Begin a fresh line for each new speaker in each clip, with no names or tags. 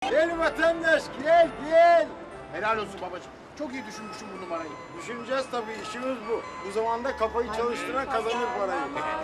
Gel vatandaş, gel, gel.
Helal olsun babacığım. Çok iyi düşünmüşsün bu numarayı.
Düşüneceğiz tabii, işimiz bu. Bu zamanda kafayı çalıştıran kazanır parayı.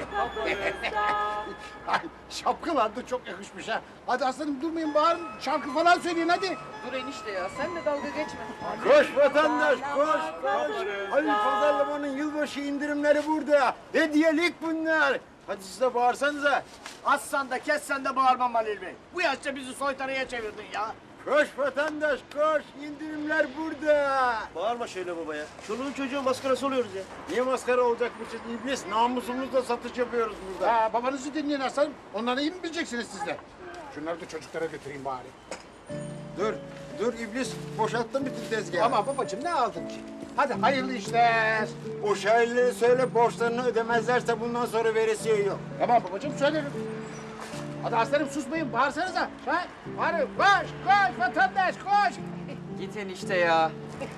Ay, şapkalar da çok yakışmış ha. Hadi aslanım durmayın bağırın. Şarkı falan söyleyin hadi.
Dur enişte ya, sen de dalga geçme.
Koş vatandaş, koş, koş. Halil Pazarlama'nın yılbaşı indirimleri burada. Hediyelik bunlar. Hadi siz de bağırsanıza.
Assan da kessen de bağırmam Halil Bey. Bu yaşta bizi soytarıya çevirdin ya.
Koş vatandaş, koş. İndirimler burada.
Bağırma şöyle baba ya. Çoluğun çocuğun maskarası oluyoruz ya.
Niye maskara olacakmışız iblis? Namusumuzla satış yapıyoruz burada.
Ha, babanızı dinleyin aslanım. Onları iyi mi bileceksiniz siz de? Şunları da çocuklara götüreyim bari.
Dur, dur iblis. Boşalttım bütün tezgahı.
Ama babacığım ne aldın ki? Hadi hayırlı işler.
O şairlere söyle, borçlarını ödemezlerse bundan sonra veresiye yok.
Tamam babacığım söylerim. Hadi aslanım susmayın bağırsanıza. Ha? Bağırın koş koş vatandaş koş.
Git enişte ya.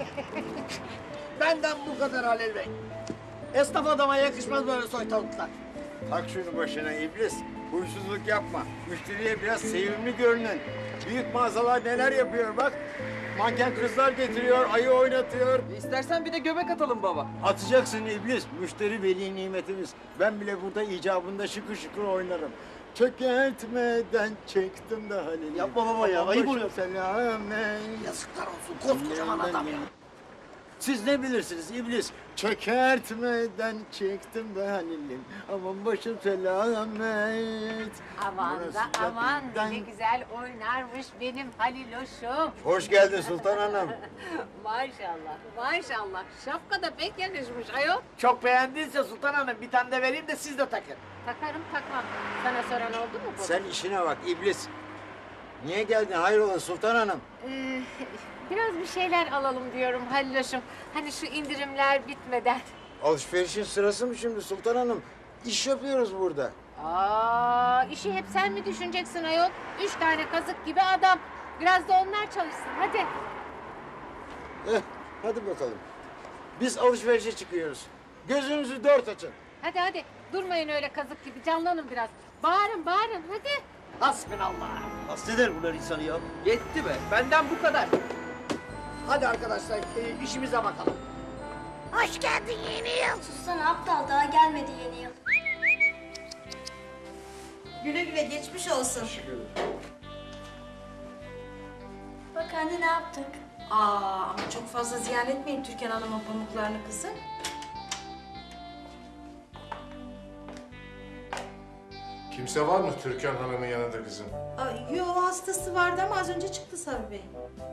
Benden bu kadar Halil Bey. Esnaf adama yakışmaz böyle soytarılıklar.
Tak şunu başına iblis. Huysuzluk yapma. Müşteriye biraz sevimli görünün. Büyük mağazalar neler yapıyor bak. Manken kızlar getiriyor, ayı oynatıyor.
İstersen bir de göbek atalım baba.
Atacaksın iblis. Müşteri veli nimetimiz. Ben bile burada icabında şıkır şıkır oynarım. Çökertmeden çektim de Halil.
Yapma baba ya, ayıp oluyor.
Selamen.
Yazıklar olsun koskocaman adam ya.
Siz ne bilirsiniz iblis? Çökertmeden çektim de Halil'im. Aman başım selamet.
Aman
Burası
da aman
zaten-
ne güzel oynarmış benim Haliloş'um.
Hoş geldin Sultan Hanım.
Maşallah maşallah şapka da pek yakışmış ayol.
Çok beğendiyse Sultan Hanım bir tane de vereyim de siz de takın.
Takarım takmam. Sana soran oldu mu bu?
Sen işine bak iblis. Niye geldin hayrola Sultan Hanım?
Biraz bir şeyler alalım diyorum Haliloş'um. Hani şu indirimler bitmeden.
Alışverişin sırası mı şimdi Sultan Hanım? İş yapıyoruz burada.
İşi hep sen mi düşüneceksin ayol? 3 tane kazık gibi adam. Biraz da onlar çalışsın hadi.
Hadi bakalım. Biz alışverişe çıkıyoruz. Gözünüzü dört açın.
Hadi hadi durmayın öyle kazık gibi canlanın biraz. Bağırın bağırın hadi.
Hasbinallah.
Hasteder bunlar insanı ya.
Yetti be, benden bu kadar.
Hadi arkadaşlar işimize bakalım.
Hoş geldin yeni yıl.
Sussana aptal daha gelmedi yeni yıl.
Güle güle geçmiş olsun.
Bak anne ne yaptık?
Ama çok fazla ziyan etmeyin Türkan Hanım'ın pamuklarını kızım.
Kimse var mı Türkan Hanım'ın yanında kızım?
Yo hastası vardı ama az önce çıktı Sabri Bey.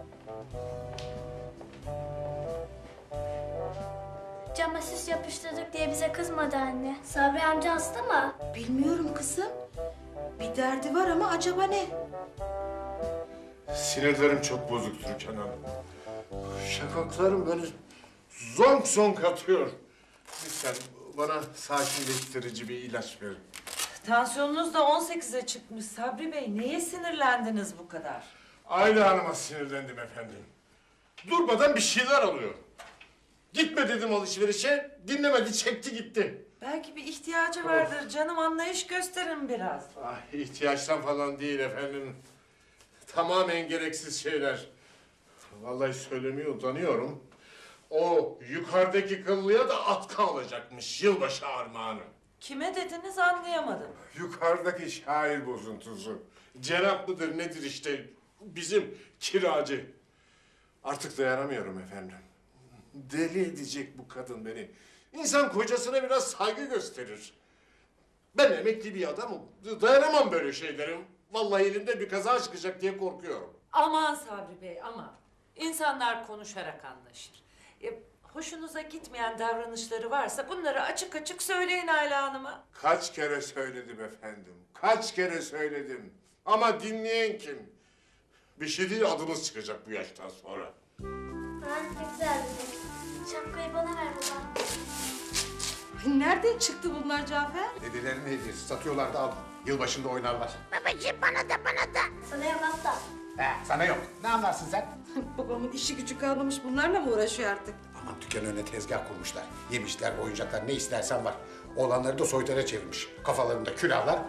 Cama süs yapıştırdık diye bize kızmadı anne. Sabri amca hasta mı?
Bilmiyorum kızım. Bir derdi var ama acaba ne?
Sinirlerim çok bozuk Türkan Hanım. Şakaklarım böyle zonk zonk atıyor. Lütfen bana sakinleştirici bir ilaç verin.
Tansiyonunuz da 18'e çıkmış Sabri Bey. Neye sinirlendiniz bu kadar?
Ayla Hanım'a sinirlendim efendim. Durmadan bir şeyler alıyor. Gitme dedim alışverişe, dinlemedi, çekti gitti.
Belki bir ihtiyacı vardır canım. Anlayış gösterin biraz.
Ah, ihtiyaçtan falan değil efendim. Tamamen gereksiz şeyler. Vallahi söylemeye utanıyorum. O yukarıdaki kıllıya da atkı alacakmış yılbaşı armağanı.
Kime dediniz anlayamadım.
Yukarıdaki şair bozuntusu. Cenap mıdır nedir işte bizim kiracı. Artık dayanamıyorum efendim. Deli edecek bu kadın beni. İnsan kocasına biraz saygı gösterir. Ben emekli bir adamım. Dayanamam böyle şeylerim. Vallahi elimde bir kaza çıkacak diye korkuyorum.
Aman Sabri Bey aman. İnsanlar konuşarak anlaşır. Hoşunuza gitmeyen davranışları varsa bunları açık açık söyleyin Ayla Hanım'a.
Kaç kere söyledim efendim. Kaç kere söyledim. Ama dinleyen kim? Bir şey değil adımız çıkacak bu yaştan sonra.
Ne güzel dedik. Şapkayı bana ver baba.
Nereden çıktı bunlar Cafer?
Dedelerin hediyesi satıyorlar da al. Yılbaşında oynarlar.
Sana yok aptal.
Sana yok. Ne anlarsın sen?
Babamın işi gücü kalmamış bunlarla mı uğraşıyor artık?
Aman dükkan önüne tezgah kurmuşlar. Yemişler, oyuncaklar ne istersen var. Oğlanları da soytara çevirmiş. Kafalarında külahlar,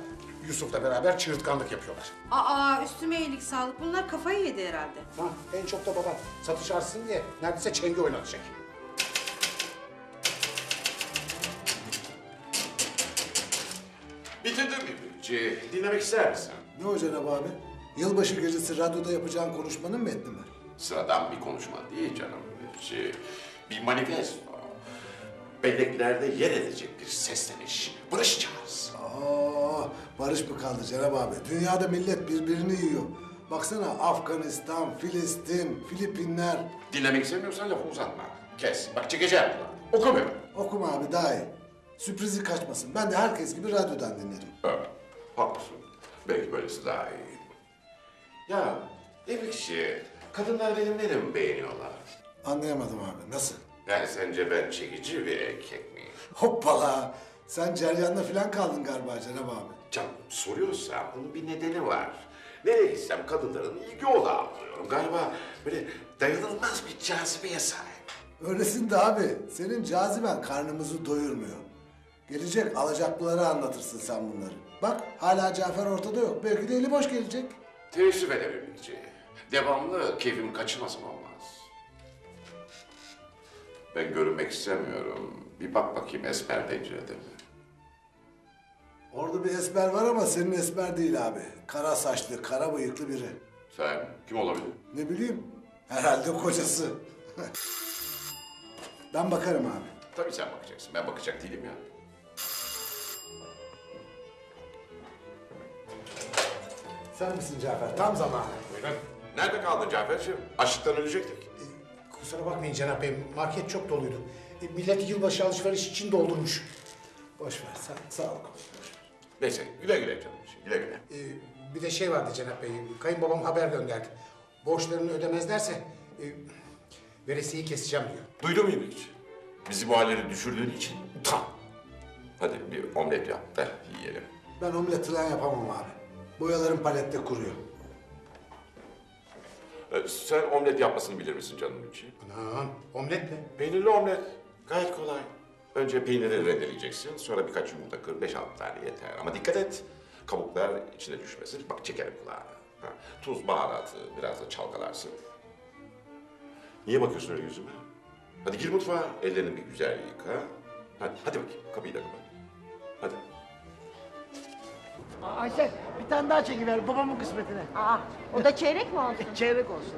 Yusuf'la beraber çığırtkanlık yapıyorlar.
Aa üstüme iyilik sağlık. Bunlar kafayı yedi herhalde.
Ha, en çok da baba satış artsın diye neredeyse çenge oynatacak.
Bitirdim İbrikçi. Dinlemek ister misin?
Ne o Cenab abi? Yılbaşı gecesi radyoda yapacağın konuşmanın metni mi?
Sıradan bir konuşma değil canım İbrikçi. Bir manifesto. Belleklerde yer edecek bir sesleniş. Barışacağız.
Aa, barış mı kaldı Cenab abi? Dünyada millet birbirini yiyor. Baksana Afganistan, Filistin, Filipinler.
Dinlemek istemiyorsan lafı uzatma. Kes. Bak çekeceğim kulağını. Okumuyorum.
Okuma abi daha iyi. Sürprizi kaçmasın. Ben de herkes gibi radyodan dinlerim.
Evet, haklısın. Belki böylesi daha iyi. Ya İbrikçi, kadınlar benim neremi beğeniyorlar?
Anlayamadım abi. Nasıl?
Yani sence ben çekici bir erkek miyim?
Hoppala. Sen ceryanla falan kaldın galiba Cenab abi.
Canım soruyorsan bunun bir nedeni var. Nereye gitsem kadınların ilgi odağı oluyorum. Galiba böyle dayanılmaz bir cazibeye sahip.
Öylesin de abi. Senin caziben karnımızı doyurmuyor. Gelecek alacaklılara anlatırsın sen bunları. Bak hala Cafer ortada yok. Belki de eli boş gelecek.
Teessüf ederim İbrikçi. Devamlı keyfim kaçırmasın olmaz. Ben görünmek istemiyorum. Bir bak bakayım esmer pencerede mi?
Orada bir esmer var ama senin esmer değil abi. Kara saçlı, kara bıyıklı biri.
Sen kim olabilir?
Ne bileyim, herhalde kocası. Ben bakarım abi.
Tabii sen bakacaksın. Ben bakacak değilim ya.
Sen misin Cafer? Tam zamanı.
Buyurun. Nerede kaldın Caferciğim? Açlıktan ölecektik.
Kusura bakmayın Cenap Bey, market çok doluydu. Millet yılbaşı alışveriş için doldurmuş. Boş ver, sağ ol.
Neyse güle güle canım. Güle güle.
Bir de şey vardı Cenap Bey, kayınbabam haber gönderdi. Borçlarını ödemezlerse veresiyeyi keseceğim diyor.
Duydun mu İbrikçi? Bizi bu hallere düşürdüğün için tam. Hadi bir omlet yap da yiyelim.
Ben omlet falan yapamam abi. Boyalarım palette kuruyor.
Sen omlet yapmasını bilir misin canım için?
Anam, omlet mi?
Peynirli omlet. Gayet kolay. Önce peyniri rendeleyeceksin. Sonra birkaç yumurta kır. 5-6 tane yeter. Ama dikkat et. Kabuklar içine düşmesin. Bak çekerim kulağını. Ha. Tuz, baharatı biraz da çalkalarsın. Niye bakıyorsun öyle yüzüme? Hadi gir mutfağa. Ellerini bir güzel yıka. Hadi bakayım. Kapıyı da kapat. Hadi.
Ayşe bir tane daha çekiver babamın kısmetine.
Aa, o da çeyrek mi olsun?
Çeyrek olsun.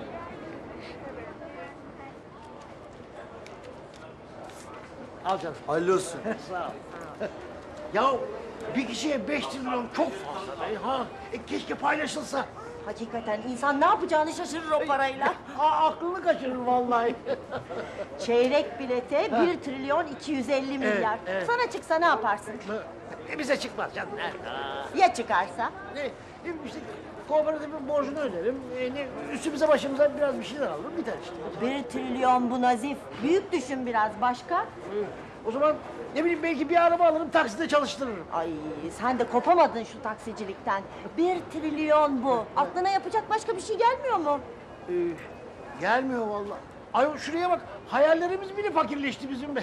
Al canım.
Hayırlı olsun.
Sağ ol. Ya bir kişiye 5 trilyon çok fazla be ha. Keşke paylaşılsa.
Hakikaten insan ne yapacağını şaşırır o parayla.
Aklını kaçırır vallahi.
Çeyrek bilete 1 trilyon 250 milyar.
evet.
Sana çıksa ne yaparsın?
Bize çıkmaz canım.
Ya çıkarsa?
İşte kooperatifin borcunu öderim. Üstümüze başımıza biraz bir şeyler alırım biter işte.
1 trilyon bu Nazif. Büyük düşün biraz. Başka?
O zaman ne bileyim belki bir araba alırım takside çalıştırırım.
Ay sen de kopamadın şu taksicilikten. 1 trilyon bu. Aklına yapacak başka bir şey gelmiyor mu?
Gelmiyor vallahi. Ay şuraya bak hayallerimiz bile fakirleşti bizim be.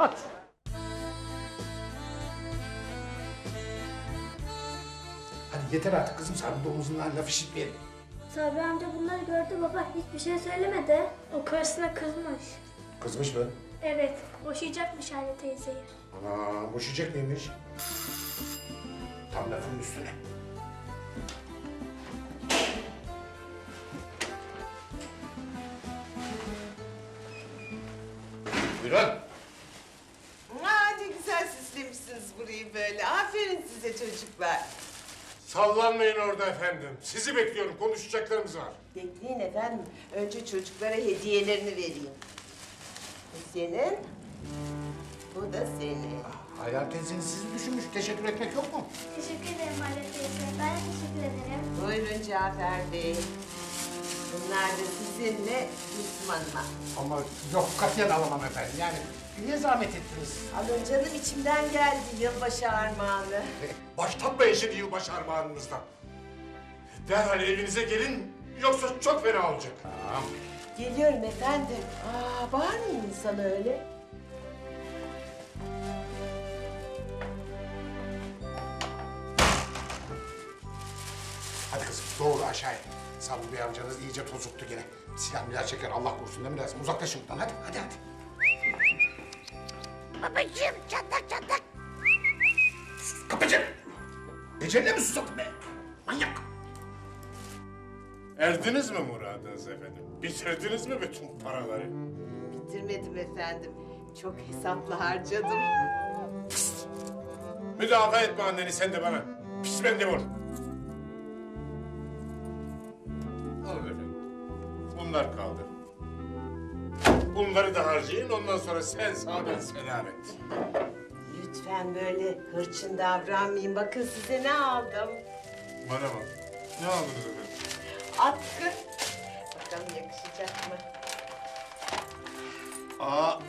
Hadi yeter artık kızım, sen domuzundan laf işitmeyelim.
Sabri amca bunları gördü baba. Hiçbir şey söylemedi. O karısına kızmış.
Kızmış mı?
Evet. Boşayacakmış Hale teyzeyi.
Ana, boşayacak mıymış? Tam lafın üstüne. Buyurun.
Ne güzel süslemişsiniz burayı böyle. Aferin size çocuklar.
Sallanmayın orada efendim. Sizi bekliyorum. Konuşacaklarımız var.
Bekleyin efendim. Önce çocuklara hediyelerini vereyim. Bu senin. Bu da senin.
Hayal teyzeniz sizi düşünmüş. Teşekkür etmek yok mu?
Teşekkür ederim Hale teyze. Ben de teşekkür ederim.
Buyurun Cafer Bey. Bunlar da sizinle Müslüman'la.
Ama yok, katiyen alamam efendim. Yani niye zahmet ettiniz?
Alın canım içimden geldi yılbaşı armağanı.
Başlatmayın şimdi yılbaşı armağanınızdan. Derhal evinize gelin. Yoksa çok fena olacak.
Geliyorum efendim. Bağırmayın insana öyle.
Hadi kızım doğru aşağıya. Sabri Bey amcanız iyice tozuktu gene. Silah milah çeker Allah korusun değil mi lazım? Uzaklaşın buradan hadi hadi hadi.
Babacığım çatlak çatlak.
Kapıcı! Eceline mi susadın be? Manyak!
Erdiniz mi muradınız efendim? Bitirdiniz mi bütün paraları?
Bitirmedim efendim. Çok hesaplı harcadım.
Müdafaa etme anneni sen de bana. Pis mendebur. Alın efendim. Bunlar kaldı. Bunları da harcayın ondan sonra sen sağ ben selamet.
Lütfen böyle hırçın davranmayın. Bakın size ne aldım.
Bana bak. Ne aldınız efendim?
Atkı. Bakalım yakışacak mı?
Aa.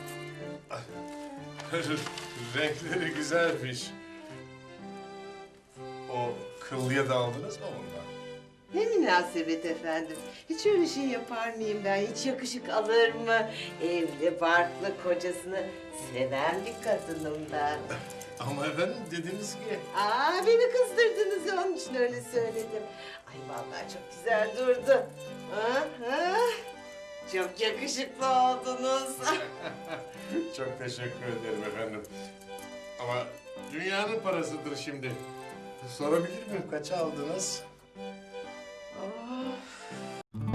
Renkleri güzelmiş. O kıllıya da aldınız mı bundan?
Ne münasebet efendim. Hiç öyle şey yapar mıyım ben? Hiç yakışık alır mı? Evli, barklı, kocasını seven bir kadınım ben.
Ama efendim dediniz ki...
Beni kızdırdınız onun için öyle söyledim. Ay vallahi çok güzel durdu. Çok yakışıklı oldunuz.
Çok teşekkür ederim efendim. Ama dünyanın parasıdır şimdi. Sorabilir miyim kaça aldınız?
Of.